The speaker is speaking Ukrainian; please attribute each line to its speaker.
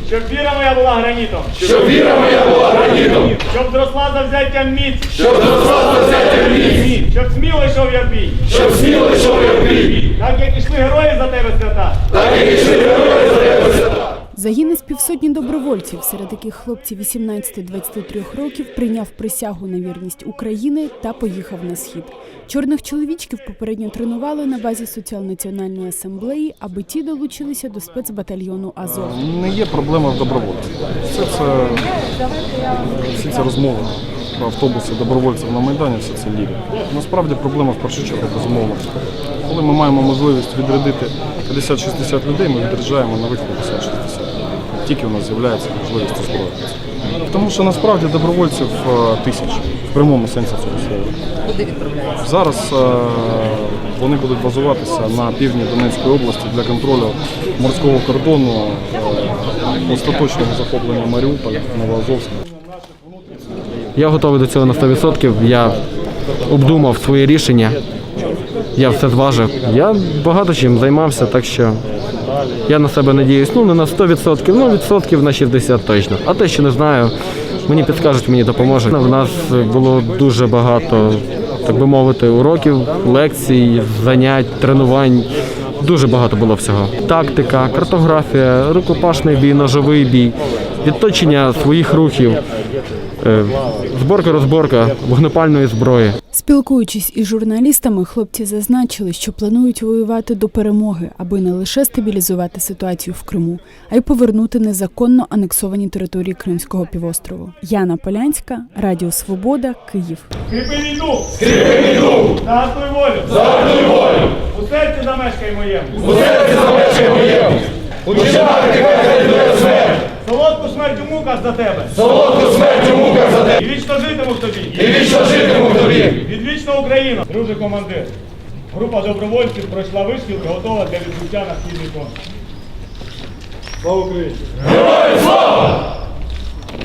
Speaker 1: Щоб віра моя була гранітом.
Speaker 2: Щоб віра моя була гранітом.
Speaker 1: Щоб зросла за взяттям міць.
Speaker 2: Щоб зросла за взяттям міць.
Speaker 1: Щоб сміло йшов я в бій.
Speaker 2: Щоб сміло йшов я в бій.
Speaker 1: Так як ішли герої за тебе свята.
Speaker 2: Так як ішли герої за тебе свята.
Speaker 3: Загін із півсотні добровольців, серед яких хлопці 18-23 років, прийняв присягу на вірність України та поїхав на схід. Чорних чоловічків попередньо тренували на базі Соціал-національної асамблеї, аби ті долучилися до спецбатальйону «Азов».
Speaker 4: Не є проблема в добровольців. Всі ці розмови про автобуси добровольців на Майдані, все це ліві. Насправді проблема в першу чергу безумовно. Коли ми маємо можливість відрядити 50-60 людей, ми відряджаємо нових 50-60. Тільки у нас з'являється можливість озброїтися. Тому що насправді добровольців тисячі, в прямому сенсі цього слова.
Speaker 5: Куди відправляються?
Speaker 4: Зараз вони будуть базуватися на півдні Донецької області для контролю морського кордону, остаточного захоплення Маріуполя, Новоазовська.
Speaker 6: Я готовий до цього на 100%, я обдумав своє рішення, я все зважив. Я багато чим займався, так що я на себе надіюсь, не на 100%, відсотків на 60% точно. А те, що не знаю, мені підскажуть, мені допоможуть. У нас було дуже багато, так би мовити, уроків, лекцій, занять, тренувань. Дуже багато було всього. Тактика, картографія, рукопашний бій, ножовий бій, відточення своїх рухів, зборка-розборка вогнепальної зброї.
Speaker 3: Спілкуючись із журналістами, хлопці зазначили, що планують воювати до перемоги, аби не лише стабілізувати ситуацію в Криму, а й повернути незаконно анексовані території Кримського півострову. Яна Полянська, Радіо Свобода, Київ.
Speaker 1: Скріпи війну!
Speaker 2: Скріпи війну!
Speaker 1: Загартуй волю!
Speaker 2: Загартуй волю!
Speaker 1: У серці замешкай моєму!
Speaker 2: У серці замешкай моєму! У чинах нехай калідує смерть!
Speaker 1: Солодку смерть у муках за тебе!
Speaker 2: Солодку смерть у муках за тебе!
Speaker 1: І вічно житиму в тобі!
Speaker 2: І вічно житиму в тобі!
Speaker 1: Відвічна Україна! Друже командир! Група добровольців пройшла вишкіл і готова для відбуття на східний фронт. Слава Україні!
Speaker 2: Героям слава!